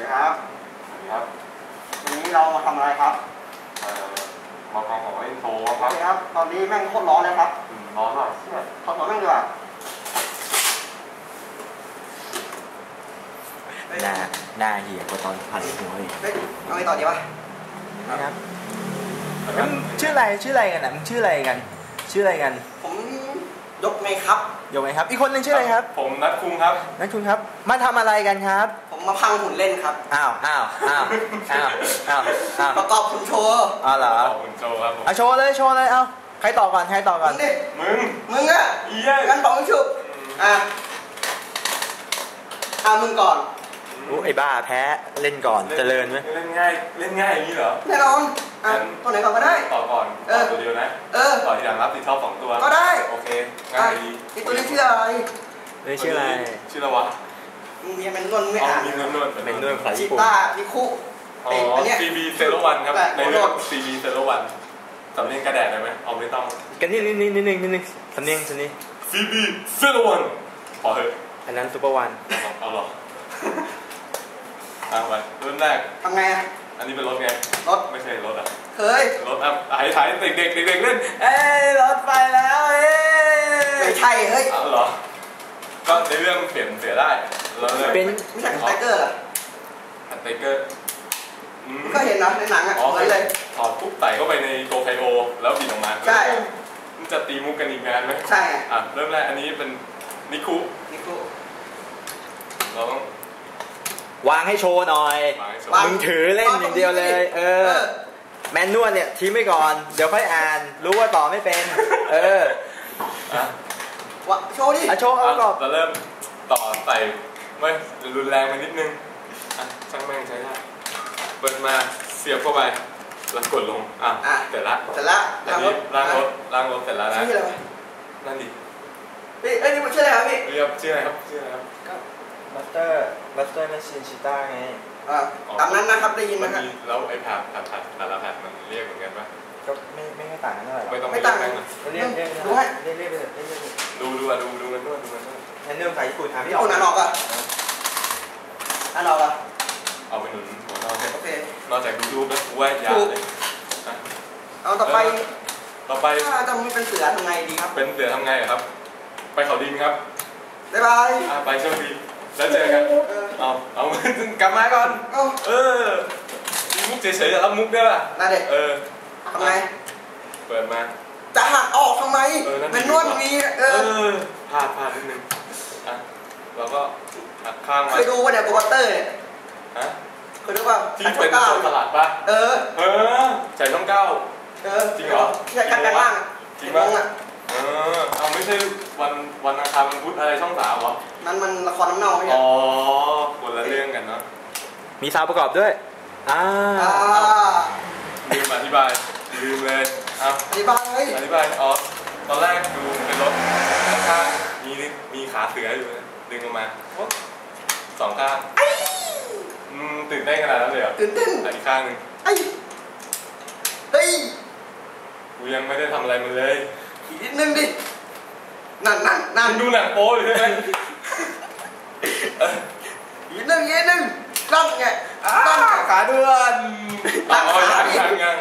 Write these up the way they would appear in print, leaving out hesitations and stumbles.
ดีครับครับวันนี้เรามาทำอะไรครับมาฟังของเล่นโชว์คโอรับเคครับตอนนี้แม่งโคตรร้อนเลยครับร้อนมากเชี่ยถอดแม่งดีกว่าหน้าเหี้ยกว่าตอนผัดหัวอีกเฮ้ยเอาไงต่อดีวะนะครับมึงชื่ออะไรกันนะมึงชื่ออะไรกันผมยกไงครับยกไหมครับอีกคนนึงชื่ออะไรครับผมนัดคุงครับนั่นคุณครับมาทำอะไรกันครับผมมาพังหุ่นเล่นครับอ้าวประกอบหุ่นโชว์เหรอขอบคุณโจครับผมเอาโชว์เลยเอาใครต่อก่อนมึงดิ มึงอะอีเย้งั้นบอกให้ชุบมึงก่อนไอ้บ้าแพ้เล่นก่อนเจริญไหมเล่นง่ายอย่างนี้เหรอแน่นอนตัวไหนก่อนก็ได้ต่อก่อนตัวเดียวนะต่อทีหลังรับติดชอบ2ตัวก็ได้โอเคง่ายดีไอตัวนี้ชื่ออะไรชื่ออะไรวะมึงมีมันนวลไม่อ่านมีนวลเป็นนวลภาษาชิญี่ปุ่นต้านิคุอันนี้ CB01 ครับในเรื่อง CB01 สำเนียงกระแดดได้ไหมเอาไม่ต้องกันนิดสำเนียง CB01พอเถอะอันนั้นซุปเปอร์วันเอาหรอไปเริ่มแรกทำไงอันนี้เป็นรถไงรถไม่ใช่รถเคยรถถ่ายเด็กเล่นรถไปแล้วไม่ใช่เฮ้ยเหรอก็ในเรื่องเปลี่ยนเสียได้เราเลยเป็นไม่ใช่สไตเกอร์เหรอสไตเกอร์ก็เห็นนะในหนังเหมือนเลยถอดปุ๊บใส่เข้าไปในโกไคโอแล้วบินออกมาใช่มันจะตีมุกกันอีกงานไหมใช่เริ่มแรกอันนี้เป็นนิคุเราต้องวางให้โชว์หน่อยมึงถือเล่นอย่างเดียวเลยแมนนวลเนี่ยทิ้งไว้ก่อนเดี๋ยวค่อยอ่านรู้ว่าต่อไม่เป็นโชว์ดิโชว์เอาก่อนจะเริ่มต่อใส่ไม่รุนแรงไปนิดนึงช่างแม่งใช้ได้เปิดมาเสียบเข้าไปแล้วกดลงเสร็จละอันนี้ล้างรถเสร็จแล้วนะชื่ออะไรนั่นดินี่มันชื่ออะไรครับพี่ชื่ออะไรครับบัสเตอร์แมชชีนชิต้าไงตามนั้นนะครับได้ยินนะครับแล้วไอ้ผัดแต่ละผัดมันเรียกเหมือนกันปะก็ไม่ให้ต่างกันเท่าไหร่ไม่ต่างเรียกไปเลยดูกันด้วยแอนเนอร์ภาษาญี่ปุ่นพี่ออกอ่านออกเอาไปหนุนหัวนอกโอเคนอกจากดูรูปแล้วกูว่ายาวเลยเอาต่อไปถ้าจะไม่เป็นเสือทำไงดีครับเป็นเสือทำไงครับไปเขาดินครับบ๊ายบายไปโชคดีแล้วเจอกันเอากลับมาก่อนมุกเฉยๆจะรับมุกได้ป่ะน่าเด็กทำไงเปิดมาจะหักออกทำไมมันนวดมีพลาดนิดนึงเราก็หักข้างมาเคยดูว่าเนี่ยโปรเตอร์เนี่ยเคยดูป่ะที่เป็นตลาดป่ะใส่ช่อง9จริงเหรอใช่กันล่างจริงป่ะเอาไม่ใช่วันอังคารวันพุธอะไรช่อง3เหรอนั้นมันละครน้ำเน่าไม่ใช่คนละเรื่องกันเนาะมีซาวประกอบด้วยลืมอธิบายลืมเลยอธิบายตอนแรกดูเป็นรถข้างมีขาเสืออยู่ดึงออกมา2ข้างตื่นเต้นขนาดนั้นเลยเหรอตื่นเต้นอีกข้างนึงเฮ้ยกูยังไม่ได้ทำอะไรมันเลยอีกนิดนึงดินั่นดูหนังโป๊อยู่ใช่ไหมอีกนิดนึงตั้งไงขาเดือนยัง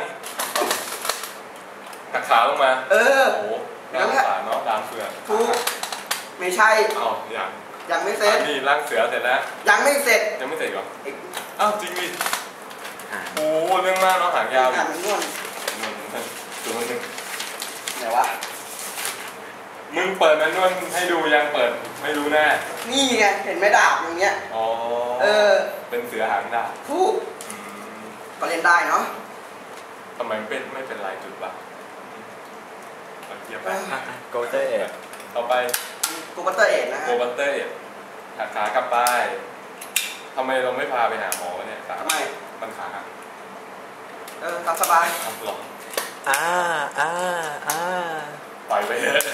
หักขาลงมาโอ้โหร่างขาเนาะดามเสือถูกไม่ใช่ยังไม่เสร็จนี่ร่างเสือเสร็จแล้วยังไม่เสร็จเหรอจริงดิโอ้เรื่องมากเนาะหางยาวมันนวลตัวนึงไหนวะมึงเปิดมันนวลให้ดูยังเปิดไม่รู้แน่นี่ไงเห็นไหมดาบอย่างเงี้ยเป็นเสือหางดาบถูกก็เล่นได้เนาะทำไมไม่เป็นลายจุดวะเทียบไปโกเตอร์ต่อไปโกบัตเตอร์เอ็ดนะโกบัตเตอร์เอ็ดหักขากลับไปทำไมเราไม่พาไปหาหมอเนี่ยทำไมมันขาหักตามสบายหรอปล่อยไปเถอะ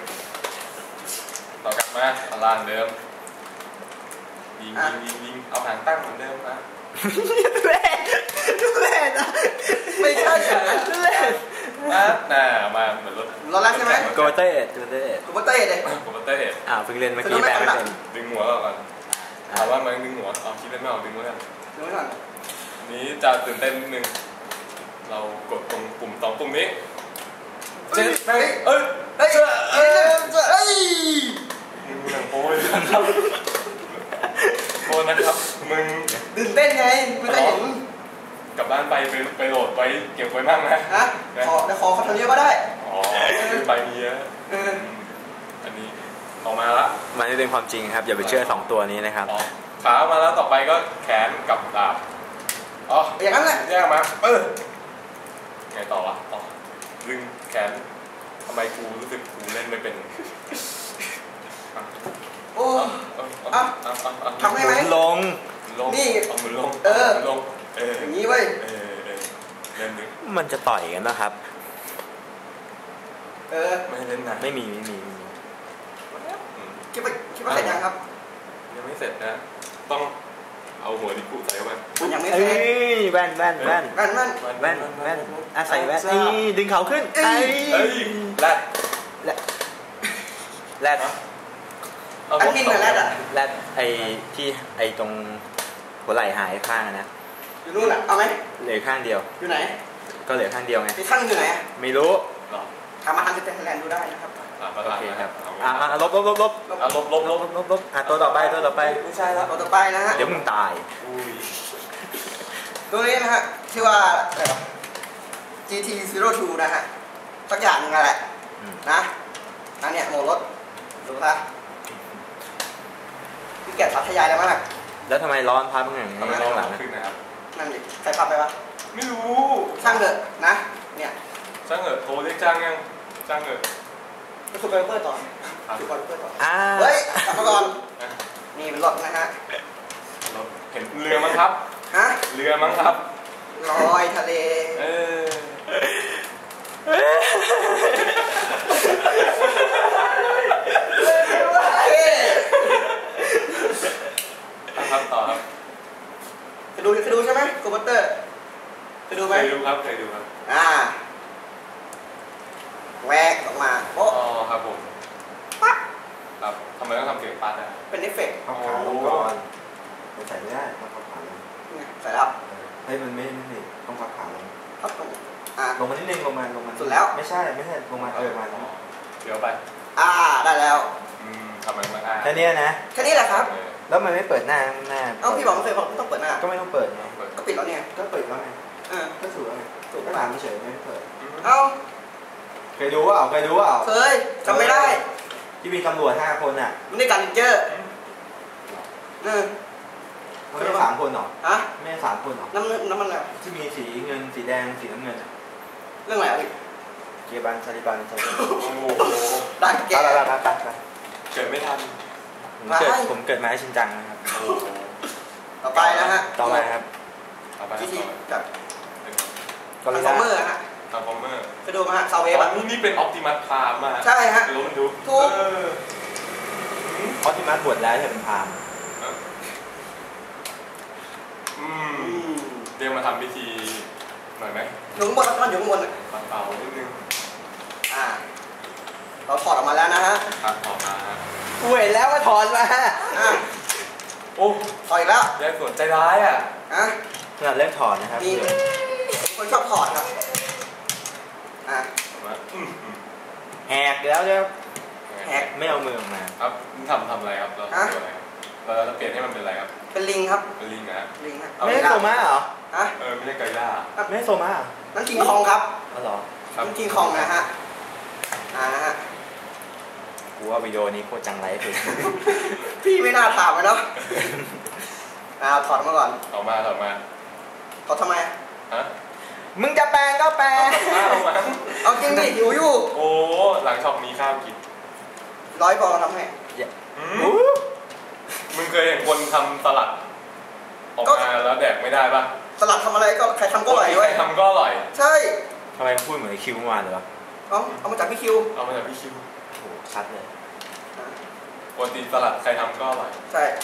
ต่อกลับมาลานเดิมยิงเอาหางตั้งเหมือนเดิมนะเล่นไม่ใช่เล่นมาเหมือนรถแรกใช่ไหมโกเต้เลยเพิ่งเล่นเมื่อกี้แปลไม่เป็นดึงหัวก่อนถามว่ามันดึงหัวเอาคิดเล่นไม่ออกดึงไว้ก่อนดึงไว้ก่อนนี้จะตื่นเต้นนิดนึงเรากดตรงปุ่มสองปุ่มนี้เจ๊เอ้ยเอ้ยเฮ้ยมึงหนังโป้ยนะครับโป้นะครับมึงตื่นเต้นไงกูจะเห็นกลับบ้านไปโหลดไว้เก็บไว้มั่งนะฮะขอเขาทำเยอะก็ได้อ๋อไปมีเยอะอันนี้ออกมาละมันไม่เป็นความจริงครับอย่าไปเชื่อ2ตัวนี้นะครับขามาแล้วต่อไปก็แขนกับดาบอ๋ออย่างนั้นแหละแยกมาไงต่อวะต่อดึงแขนทำไมกูรู้สึกกูเล่นไม่เป็นโอ้ทำให้ไหมลงนี่เอามือลงลงอย่างนี้เว้ยเล่นดึงมันจะต่อยกันนะครับไม่เล่นนะไม่มีคิดว่าเสร็จยังครับยังไม่เสร็จนะต้องเอาหัวดิกุใส่เข้าไปยังไม่เสร็จแว่นใส่แว่นดึงเขาขึ้นแรดอันนี้เหมือนแรดอะแรดที่ตรงหัวไหล่หายข้างนะอยู่นู่นอะเอาไหมเหลือข้างเดียวอยู่ไหนก็เหลือข้างเดียวไงอีกข้างอยู่ไหนไม่รู้ทำมาทำเป็นแลนด์ดูได้นะครับโอเคครับลบตัวต่อไปไม่ใช่แล้วตัวต่อไปนะฮะเดี๋ยวมึงตายตัวนี้นะฮะชื่อว่าGT02 นะฮะสักอย่างนึงแหละนะอันเนี้ยโหมดรถดูค่ะพี่แกะพัทยาแล้วมั้งแล้วทำไมร้อนพับอย่างนี้ข้างหลังนะครับนั่นดิใครพับไปวะไม่รู้ช่างเถอะนะเนี่ยช่างเถอะโทรเรียกช่างยังช่างเถอะก็คือไปเปิดต่อเฮ้ยกลับมาก่อนนี่เป็นรถนะฮะเห็นเรือมั้งครับฮะเรือมั้งครับลอยทะเลครับต่อครับเคยดูใช่ไหมคอมพิวเตอร์เคยดูไหมเคยดูครับแหวกออกมาโอ้ครับผมปั๊บครับทำไมต้องทำเสียงปั๊บอ่ะเป็นเอฟเฟกต์เอาขาลงก่อนมันใส่ไม่ได้ต้องพับขาลงใส่แล้วมันไม่ต้องพับขาลงพับตรงลงมานิดนึงลงมาสุดแล้วไม่ใช่ลงมามาเดี๋ยวไปได้แล้วทำไมมาแค่นี้นะแค่นี้แหละครับแล้วมันไม่เปิดหน้าพี่บอกไม่เคยบอกต้องเปิดหน้าก็ไม่ต้องเปิดไงก็ปิดแล้วเนี่ยก็เปิดแล้วไงก็ถูกแล้วไงถูกก็ตามไม่เฉยไม่เปิดเคยดูว่าเคยจำไม่ได้ที่มีตำรวจ5 คนอ่ะมันได้การลินเจอร์ไม่ใช่3 คนหรอไม่ใช่3 คนหรอน้ำมันอะไรที่มีสีเงินสีแดงสีน้ำเงินเรื่องอะไรอ่ะพี่เกียร์บันซาลิบันได้แก่เกิดไม่ทันผมเกิดมาให้ชินจังนะครับต่อไปนะฮะต่อไปครับที่กับคอมเมอร์ฮะไปดูมาฮะซาวเวฟนี่เป็นออปติมัสพามมาใช่ฮะรู้มันดูถูกออปติมัสบวชแล้วใช่เป็นพามเรียกมาทำพิธีหน่อยไหมอยู่ข้างบนมันอยู่ข้างบนเปล่านิดนึงเราถอดออกมาแล้วนะฮะถอดมาเห็นแล้วว่าถอดมาโอ้ถอดอีกแล้วยายสวนใจร้ายขนาดเล่นถอดนะครับนี่คนชอบถอดครับแหกแล้วเนี่ยแหกไม่เอามือออกมาครับทำอะไรครับเราจะเปลี่ยนให้มันเป็นอะไรครับเป็นลิงครับเป็นลิงนะลิงไม่ใช่โซมาเหรอไม่ใช่ไก่ย่าไม่ใช่โซมานั่นคิงคองครับเหรอนั่นคิงคองนะฮะกูว่าวิดีโอนี้โคตรจังไรเลยพี่ไม่น่าถามเลยเนาะถอดมาก่อนถอดมาถอดทำไมมึงจะแปลงก็แปลงเอาจริงดิหิวอยู่โอ้หลังช็อปมีข้าวกิน 100 ปอนด์ทำให้มึงเคยเห็นคนทำสลัดออกมาแล้วแดกไม่ได้ป่ะสลัดทำอะไรก็ใครทำก็อร่อยใครทำก็อร่อยใช่ทำไมพูดเหมือนคิวมาเลยวะเอามาจากพี่คิวเอามาจากพี่คิวโอ้ชัดเลยปกติสลัดใครทำก็อร่อยใช่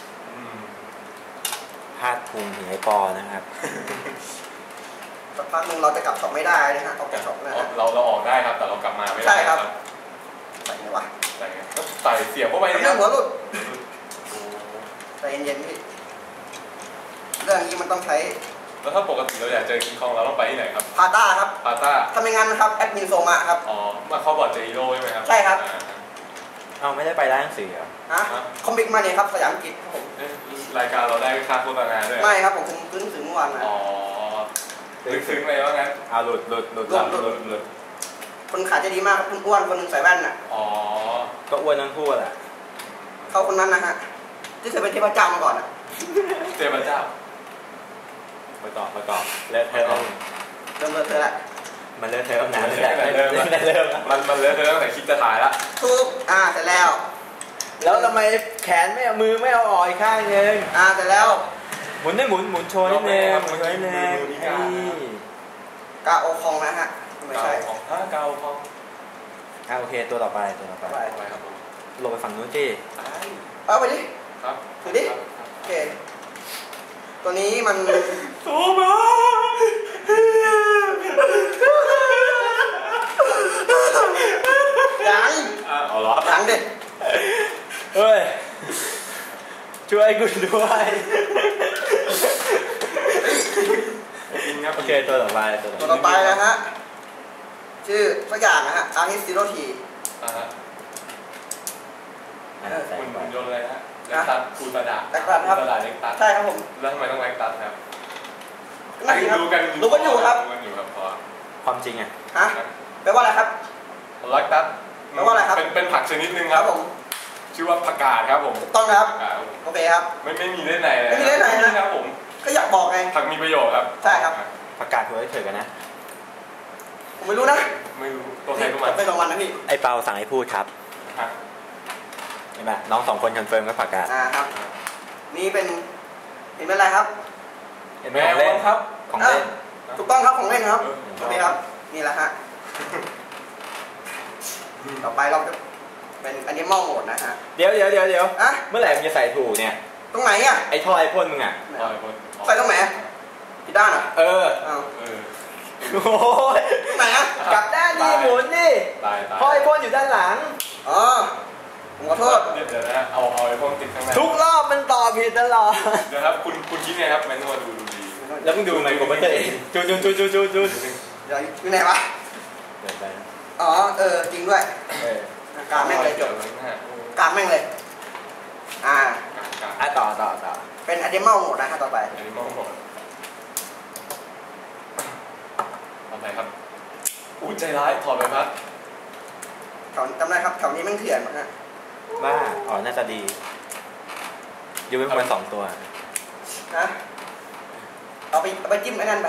พลาดพุงถึงไอ้ปอนะครับสักพักนึงเราจะกลับช็อปไม่ได้นะฮะเอากลับช็อปนะเราออกได้ครับแต่เรากลับมาไม่ได้ใช่ครับใส่ไงวะใส่เสียบเข้าไปเรื่องหัวหลุดใส่เย็นๆพี่เรื่องนี้มันต้องใช้แล้วถ้าปกติเราอยากเจอคิงคองเราต้องไปที่ไหนครับพาต้าครับพาต้าถ้าไม่งั้นนะครับแอดมินโซมาครับอ๋อมาเข้าบอร์ดเจอีโร่ใช่ไหมครับใช่ครับเอาไม่ได้ไปร้านหนังสือเหรอคอมิกมาเนี่ยครับสยามกิจครับผมรายการเราได้ค่าโฆษณาด้วยไม่ครับผมซื้อหนังสือเมื่อวานนะอ๋อซึ้งเลยว่างั้นหลุดคนขายจะดีมากครับคุณอ้วนคนนึงใส่แว่นน่ะอ๋อก็อ้วนทั้งคู่แหละเขาคนนั้นนะฮะที่เคยเป็นเทพเจ้ามาก่อนอ่ะเทพเจ้าไปต่อเลิกเทอมเริ่มเธอละมันเลิกเทอมนานเลยมันเลิกเทอมตั้งแต่คิดจะถ่ายละทุกเสร็จแล้วทำไมแขนไม่เอามือไม่เอาออกอีกข้างนึงเสร็จแล้วหมุนโชว์นิดนึงหมุนนิดนึงกาโอคองนะฮะไม่ใช่กาโอคองโอเคตัวต่อไปครับลงไปฝั่งนู้นที่เอาไปดิครับดูดิโอเคตัวนี้มันโซมายังเอาเหรอยังดิเฮ้ยช่วยกูด้วยโอเคตัวต่อไปนะฮะชื่อสักอย่างนะฮะอาร์ฮิสซิโรทีคุณยนต์อะไรฮะเล็กตัดคูตาดาครับเล็กตัดใช่ครับผมแล้วทำไมต้องเล็กตัดครับรู้กันอยู่ครับความจริงอ่ะแปลว่าอะไรครับเล็กตัดแปลว่าอะไรครับเป็นผักชนิดนึงครับผมชื่อว่าผักกาดครับผมถูกต้องครับโอเคครับไม่มีเล่นไหนเลยไม่มีเล่นไหนนะครับผมก็อยากบอกไงผักมีประโยชน์ครับใช่ครับผักกาดหัวเฉยกันนะผมไม่รู้นะไม่รู้ตัวใครตัวมันไม่ตัวมันนะพี่ไอเปาสั่งให้พูดครับเห็นไหมน้อง2 คนคอนเฟิร์มกับผักกาดครับนี่เป็นเห็นเป็นอะไรครับเห็นของเล่นครับของเล่นถูกต้องครับของเล่นครับโอเคครับนี่แหละฮะต่อไปเราจะเป็นอันนี้มองโหมดนะฮะเดี๋ยวเมื่อไหร่มึงจะใส่ถูกเนี่ยตรงไหนอ่ะไอ้ท่อไอพ่นมึงอ่ะใส่ตรงไหนที่ด้านอ่ะโอ้ยไหนอ่ะกลับด้านนี่หมุนนี่ท่อไอพ่นอยู่ด้านหลังผมขอโทษเดี๋ยวนะเอาไอพ่นติดข้างในทุกรอบมันต่อผิดตลอดเดี๋ยวครับคุณคิดไงครับแมนนวลดูดีแล้วมึงดูไหมผมไม่เคยจูอยู่ไหนวะจริงด้วยกาแม่งเลยจบกาแม่งเลยต่อเป็นอะนิมอลโหมดนะฮะต่อไปอะนิมอลโหมดต่อไปครับใจร้ายถอดไปครับจำได้ครับแถวนี้แม่งเถื่อนฮะบ้าน่าจะดีอยู่เป็นคน2 ตัวเอาไปจิ้มไอ้นั่นไป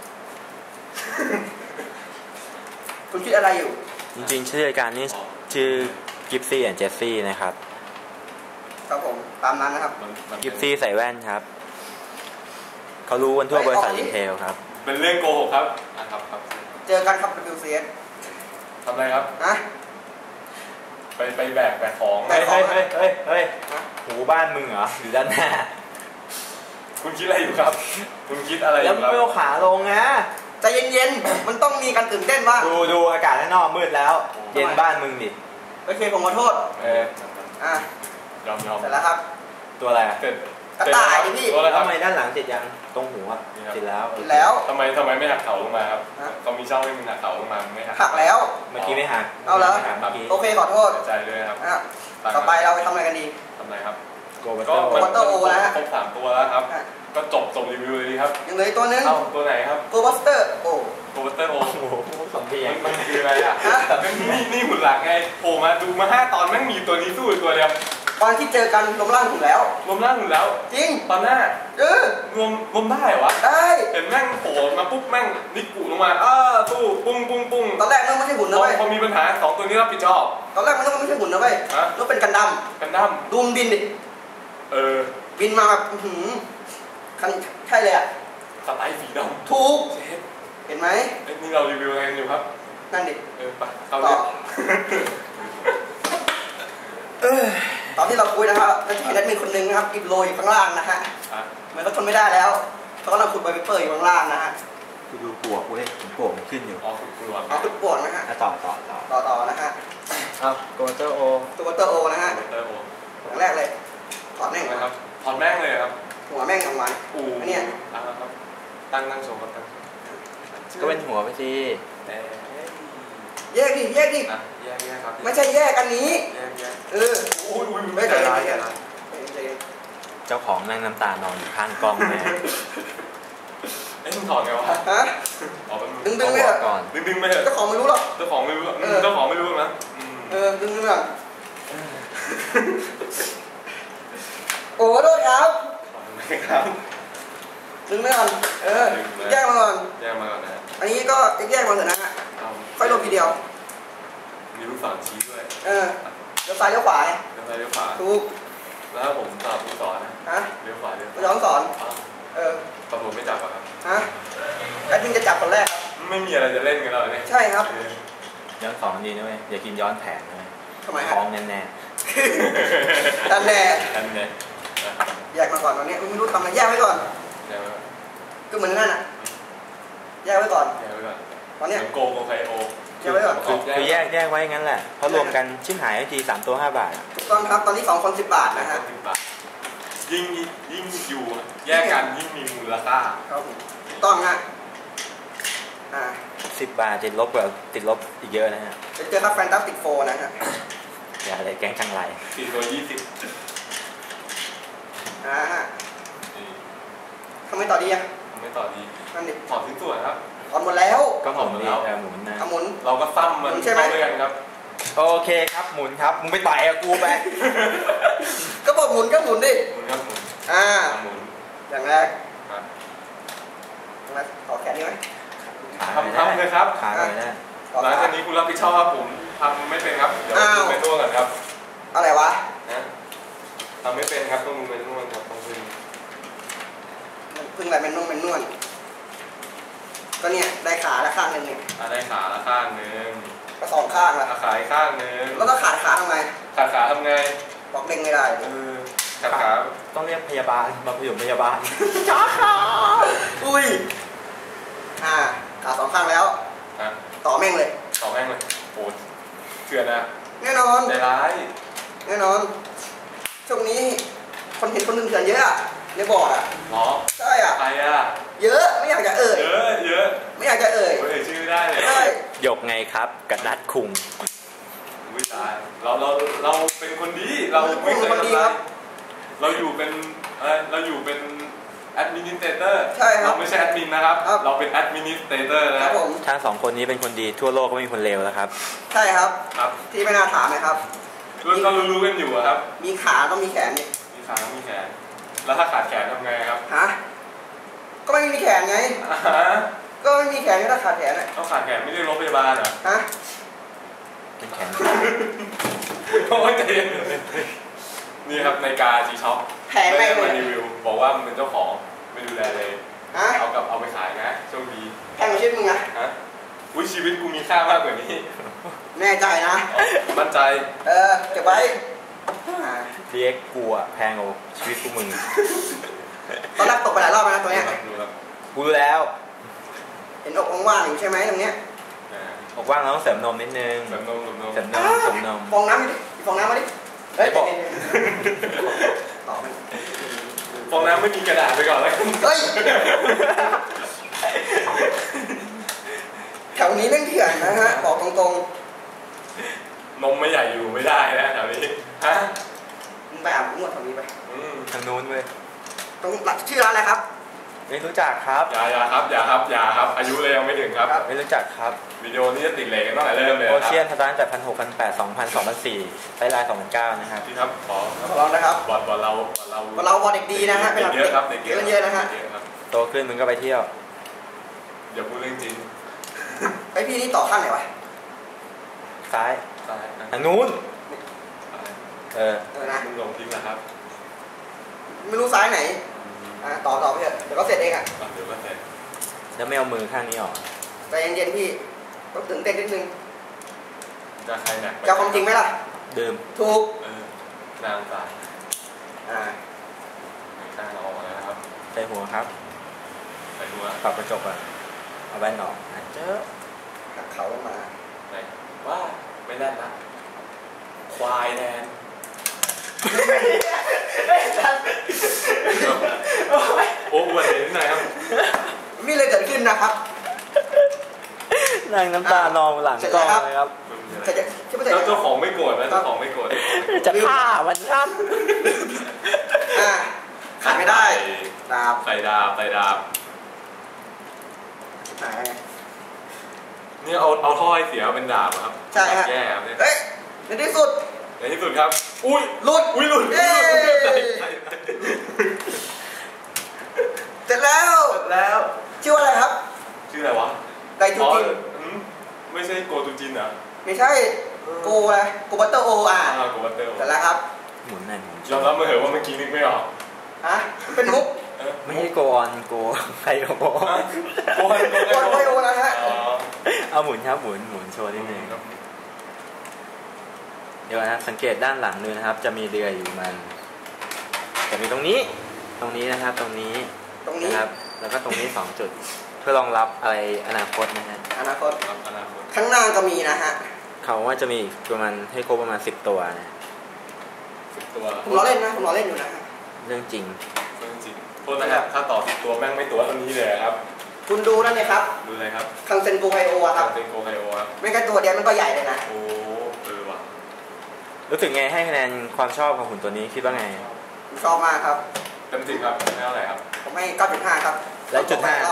คุณคิดอะไรอยู่จริงๆชื่อรายการนี้ชื่อกิฟซี่แอนด์เจสซี่นะครับครับผมตามนั้นนะครับกิฟซี่ใส่แว่นครับเขารู้กันทั่วบริษัทอินเทลครับเป็นเรื่องโกหกครับครับเจอกันครับ WCS ทำอะไรครับไปแบกของเฮ้ยหูบ้านมึงเหรออยู่ด้านหน้าคุณคิดอะไรอยู่ครับคุณคิดอะไรอยู่ครับแล้วไม่เอาขาลงนะใจเย็นๆมันต้องมีการตื่นเต้นบ้างดูอากาศข้างนอกมืดแล้วเย็นบ้านมึงดิโอเคผมขอโทษยอมเสร็จแล้วครับตัวอะไรกระต่ายดิพี่ทำไมด้านหลังติดยังตรงหัวติดแล้วทำไมไม่หักเขาลงมาครับเขามีช่องให้มึงหักเขาลงมาไม่หักแล้วเมื่อกี้ไม่หักเอาแล้วโอเคขอโทษใจเลยครับต่อไปเราไปทำอะไรกันดีทำอะไรครับก็วัตเตอร์โอนะครบ3 ตัวแล้วครับก็จบรีวิวเลยดีครับยังเหลือตัวนึงตัวไหนครับตัวบัสเตอร์โอ้ 2 ทีมันคืออะไรอ่ะนี่หุ่นหลักไงโผล่มาดูมา5 ตอนแม่งมีตัวนี้สู้ตัวเดียวตอนที่เจอกันรวมร่างหุ่นแล้วจริงตอนหน้ารวมได้วะได้เห็นแม่งโผล่มาปุ๊บแม่งนิกกูลงมาตู้ปุ้งตอนแรกมันไม่ใช่หุ่นนะเว้ยพอมีปัญหา2 ตัวนี้รับผิดชอบตอนแรกมันไม่ใช่หุ่นนะเว้ยมันเป็นกันดั้มดูมบินดิบินมาแบบใช่เลยอ่ะสไตล์สีดำถูกเห็นไหมนี่เรารีวิวอะไรกันอยู่ครับนั่นดิไปต่อตอนที่เราคุยนะครับจะเห็นแอดมินคนนึงนะครับอิบโรยข้างล่างนะฮะเหมือนเขาทนไม่ได้แล้วเขากำลังขุดใบเปอร์อยู่ข้างล่างนะฮะกูดูปวกกูเลยปวกมันขึ้นอยู่ขุดปวกนะฮะต่อนะฮะตัวเตอร์โอนะฮะอย่างแรกเลยอดแม่งนะครับถอดแม่งเลยครับหัวแม่งออกมาเนี่ยครับตั้งโชว์ครับตั้งก็เป็นหัวไปสิแยกดิแยกครับไม่ใช่แยกอันนี้ไม่ใจร้ายเจ้าของนั่งน้ำตานอนอยู่ข้างกล้องแม่มึงถอดไงวะฮะดึงไม่ก่อนดึงไม่เหรอเจ้าของไม่รู้หรอกเจ้าของไม่รู้นะดึงไม่หรอกโอ้โทษครับดึงไม่ก่อนแยกมาก่อนนะอันนี้ก็แยกมาเถอะนะฮะค่อยลงทีเดียวมีลูกศรชี้ด้วยเลี้ยวซ้ายเลี้ยวขวาเลี้ยวซ้ายเลี้ยวขวาถูกแล้วผมจับลูกศรนะเลี้ยวขวาเลี้ยวย้อนสอนตำรวจไม่จับครับแอดมินจะจับคนแรกไม่มีอะไรจะเล่นกันแล้วเนี่ยใช่ครับย้อนสอนดีนะเว้ยอย่ากินย้อนแผนนะทำไมท้องแน่ตันแน่แยกมาก่อนตอนนี้ไม่รู้ทำอะไรแยกไว้ก่อนก็เหมือนนั่นอ่ะแยกไว้ก่อนตอนนี้โกไคโอแยกไว้ก่อนคือแยกไว้งั้นแหละเพราะรวมกันชิ้นหายที3 ตัว 5 บาทถูกต้องครับตอนนี้2 คน 10 บาทนะฮะยิ่งอยู่แยกกันยิ่งมีมูลค่าครับถูกต้องฮะ 10 บาทติดลบกว่าติดลบอีกเยอะนะฮะจะเจอครับแฟนตาสติกโฟนะฮะอย่าอะไรแก๊งจังไร 4 ตัว 20 ทำไมต่อดีอ่ะไม่ต่อดีนั่นดิถอดทิ้งตัวครับถอดหมดแล้วก็หมุนแล้วหมุนนะหมุนเราก็ซ้ำมันใช่ไหมด้วยกันครับโอเคครับหมุนครับมึงไปต่อยกับกูไปก็บอกหมุนก็หมุนดิหมุนครับหมุนหมุนอย่างแรกต่อแขนนี้ไหมทำเลยครับขาเลยนะหลังจากนี้คุณรับผิดชอบครับผมทำไม่เป็นครับเดี๋ยวคุณไปนวดกันครับอะไรวะทำไม่เป็นครับต้องไปนวดครับต้องพึ่งอะไรเป็นนวดก็เนี่ยได้ขาละข้างนึงเนี่ยได้ขาละข้างนึงก็2 ข้างละขาข้างนึงแล้วก็ขาทำไงขาทำไงบอกเด้งไม่ได้ขาต้องเรียกพยาบาลมาพยุงพยาบาลจ้าขาอุ้ยขา2 ข้างแล้วต่อแม่งเลยโอ้เถื่อนนะแน่นอนใจร้ายแน่นอนช่วงนี้คนเห็นคนหนึ่งเถื่อนเยอะในบอร์ดหรอใช่ใครเยอะไม่อยากจะเอ่ยเยอะไม่อยากจะเอ่ยชื่อได้เลยหยกไงครับกระดัดคุงอุ้ยตายเราเป็นคนดีเราไม่เคยทำอะไรเราอยู่เป็นแอดมินิสเตเตอร์เราไม่ใช่แอดมินนะครับเราเป็นแอดมินิสเตเตอร์นะทั้ง2 คนนี้เป็นคนดีทั่วโลกก็ไม่มีคนเลวแล้วครับใช่ครับที่ไม่น่าถามนะครับก็รู้กันอยู่ครับมีขาต้องมีแขนนี่มีขาต้องมีแขนแล้วถ้าขาดแขนทำไงครับก็ไม่มีแขนไงก็ไม่มีแขนถ้าขาดแขนต้องขาดแขนไม่ได้รถพยาบาลเหรอเป็นแขนโอ้ยใจเย็นนี่ครับในกาจีช็อปไม่ได้มารีวิวบอกว่ามันเป็นเจ้าของไม่ดูแลเลยเอาไปขายนะโชคดีแพงกว่าชีวิตมึงอุ้ยชีวิตกูมีค่ามากกว่านี้แน่ใจนะมั่นใจเก็บไว้เรียกกูอะแพงกว่าชีวิตพวกมึงตอนแรกตกไปหลายรอบนะตัวเนี้ยกูรู้แล้วเห็นอกว่างๆอยู่ใช่ไหมตรงเนี้ยอกว่างเราต้องเสริมนมนิดนึงเสริมนมฟองน้ำดิฟองน้ำมาดิเฮ้ยบอกฟองน้ำไม่มีกระดาษไปก่อนเลยเฮ้ยแถวนี้เล่นเถื่อนนะฮะบอกตรงนมไม่ใหญ่อยู่ไม่ได้นะแถวนี้มึงไปอาบนวดแถวนี้ไปทางนู้นเว้ยตรงชื่อร้านอะไรครับไม่รู้จักครับอย่าครับอายุเลยยังไม่ถึงครับไม่รู้จักครับวิดีโอนี้จะติดเลยกันตั้งแต่เริ่มเลยโอเชียนทันแต่1,600 1,800 2,000 2,004ไปไลน์2,900นะครับพี่ครับขอร้องนะครับบอลเราบอลเด็กดีนะฮะเด็กเยอะครับเด็กเยอะนะฮะโตขึ้นมึงก็ไปเที่ยวอย่าพูดเรื่องจริงไอพี่นี่ต่อข้างไหนวะซ้ายทางนู้นนะมึงลงทิ้งนะครับไม่รู้ซ้ายไหนต่อไปเถอะเดี๋ยวก็เสร็จเองเดี๋ยวก็เสร็จแล้วไม่เอามือข้างนี้ออกใจเย็นๆพี่ต้องตื่นเต้นนิดนึงจะใครหนักจะความจริงไหมล่ะดื่มถูกนางตายข้างเราออกมาแล้วครับใส่หัวครับใส่หัวปรับกระจกอ่ะเอาแว่นออกเจอหักเขาลงมาไหนว่าไม่แน่นนะควายแทนโอ้อวดนิดหน่อยครับมีอะไรเกิดขึ้นนะครับนั่งน้ำตานองหลังกล้องเลยครับเจ้าของไม่โกรธนะเจ้าของไม่โกรธจะฆ่ามันครับขาดไม่ได้ดาบใส่ดาบนี่เอาท่อให้เสียเป็นดาบครับใช่ครับแย่ครับเนี่ยในที่สุดครับอุ้ยหลุดเสร็จแล้วชื่ออะไรครับชื่ออะไรวะไกจูจินไม่ใช่โกจูจินอ่ะไม่ใช่โกอะไรโกบัตเตอร์โอโกบัตเตอร์เสร็จแล้วครับหมุนหน่อยยอมรับมาเหอะว่าเมื่อกี้นึกไม่ออกเป็นมุกไม่ใช่โกออนโกไคโอโกไคโอนะฮะเอาหมุนครับหมุนโชว์นิดนึงเดี๋ยวนะสังเกตด้านหลังดูนะครับจะมีเรืออยู่มันจะมีตรงนี้นะครับตรงนี้นะครับแล้วก็ตรงนี้2จุดเพื่อรองรับอะไรอนาคตนะฮะอนาคตข้างหน้าก็มีนะฮะเขาว่าจะมีประมาณให้ครบประมาณ10ตัวนะ 10ตัวผมล้อเล่นอยู่นะเรื่องจริงโทษนะครับถ้าต่อ10ตัวแม่งไม่ตัวเท่านี้เลยครับคุณดูนั่นเลยครับดูอะไรครับคังเซนโกไฮโอครับคังเซนโกไฮโอครับไม่แค่ตัวเดียวมันก็ใหญ่เลยนะโอ้ว่ะรู้สึกไงให้คะแนนความชอบของหุ่นตัวนี้คิดว่าไงชอบมากครับเต็ม10ครับให้เท่าไหร่ครับผมให้ 9.5 ครับและ.5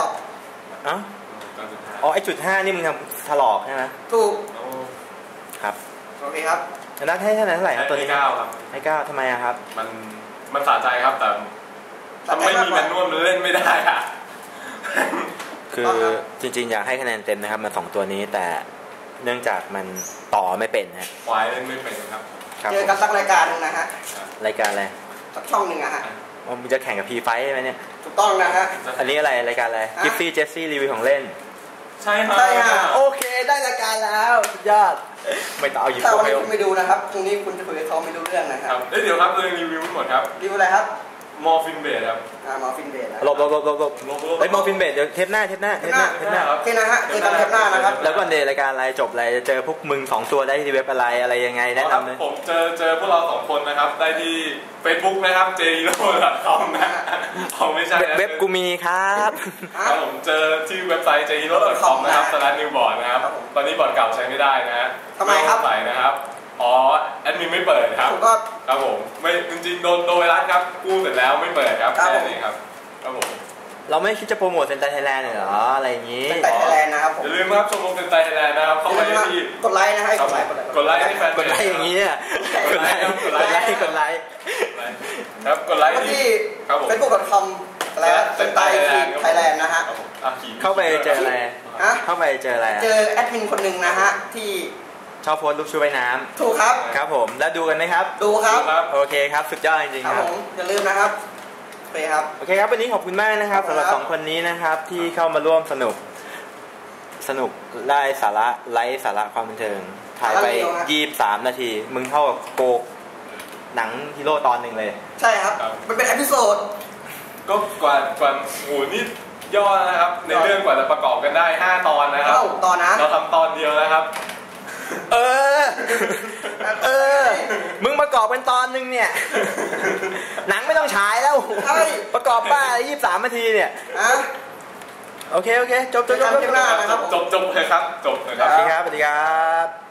อ๋อไอ้.5นี่มึงทำถลอกใช่ไหมถูกครับโอเคครับนัดให้เท่าไหร่ครับตัวนี้ 9ครับให้9ทำไมครับมันสะใจครับแต่ไม่มีแมนนวลมันเล่นไม่ได้อะคือจริงๆอยากให้คะแนนเต็มนะครับมัน2ตัวนี้แต่เนื่องจากมันต่อไม่เป็นฮะควายเล่นไม่เป็นครับเจอกันสักรายการนึงนะฮะรายการอะไรสักช่องหนึ่งอะฮะมันจะแข่งกับพีไฟใช่ไหมเนี่ยถูกต้องนะฮะอันนี้อะไรรายการอะไรกิฟซี่เจสซี่รีวิวของเล่นใช่ค่ะโอเคได้รายการแล้วยอดไม่ต้องเอาหยิบแต่วันนี้คุณไม่ดูนะครับพรุ่งนี้คุณจะคุยกับเขาไม่รู้เรื่องนะครับเดี๋ยวครับเรื่องรีวิวหมดครับรีวิวอะไรครับมอร์ฟินเบดครับมอร์ฟินเบดหลบไอ้มอร์ฟินเบดเดี๋ยวเทปหน้านะฮะเจอกันเทปหน้านะครับแล้วก็ในรายการอะไรจบอะไรจะเจอพวกมึง2ตัวได้ที่เว็บอะไรยังไงแนะนำเลยผมเจอพวกเรา2คนนะครับได้ที่ Facebook นะครับ jhero.com นะไม่ใช่เว็บกูมีครับผมเจอที่เว็บไซต์ jhero.com นะครับ/newboard นะครับตอนนี้บอร์ดเก่าใช้ไม่ได้นะฮะทำไมครับใส่นะครับแอดมินไม่เปิดครับครับผมไม่จริงๆโดนไวรัสครับกู้เสร็จแล้วไม่เปิดครับแค่นี้ครับครับผมเราไม่คิดจะโปรโมทเซนไตไทยแลนด์เหรออะไรอย่างนี้เซนไตไทยแลนด์นะครับอย่าลืมครับชมรมเซนไตไทยแลนด์นะครับเข้าไปที่กดไลค์นะให้กดไลค์ให้แฟนกดไลค์อย่างนี้เนี่ยกดไลค์ครับกดไลค์ที่ facebook.com และเซนไตไทยแลนด์นะฮะเข้าไปเจออะไรเข้าไปเจออะไรเจอแอดมินคนหนึ่งนะฮะที่ชอบโพสรูปชุดว่ายน้ำถูกครับครับผมแล้วดูกันไหมครับดูครับโอเคครับสุดยอดจริงๆครับผมอย่าลืมนะครับโอเคครับโอเคครับวันนี้ขอบคุณมากนะครับสำหรับ2คนนี้นะครับที่เข้ามาร่วมสนุกได้สาระไลฟ์สาระความบันเทิงถ่ายไป23 นาทีมึงเท่ากับโกหนังฮีโร่ตอนหนึ่งเลยใช่ครับมันเป็นเอพิโซดก็กว่าโอ้นี่ย่อนะครับในเรื่องกว่าจะประกอบกันได้5 ตอนนะครับตอนนะเราทำตอนเดียวนะครับมึงประกอบเป็นตอนนึงเนี่ยหนังไม่ต้องฉายแล้วประกอบบ้า23 นาทีเนี่ยโอเคจบเลยครับจบเลยครับสวัสดีครับ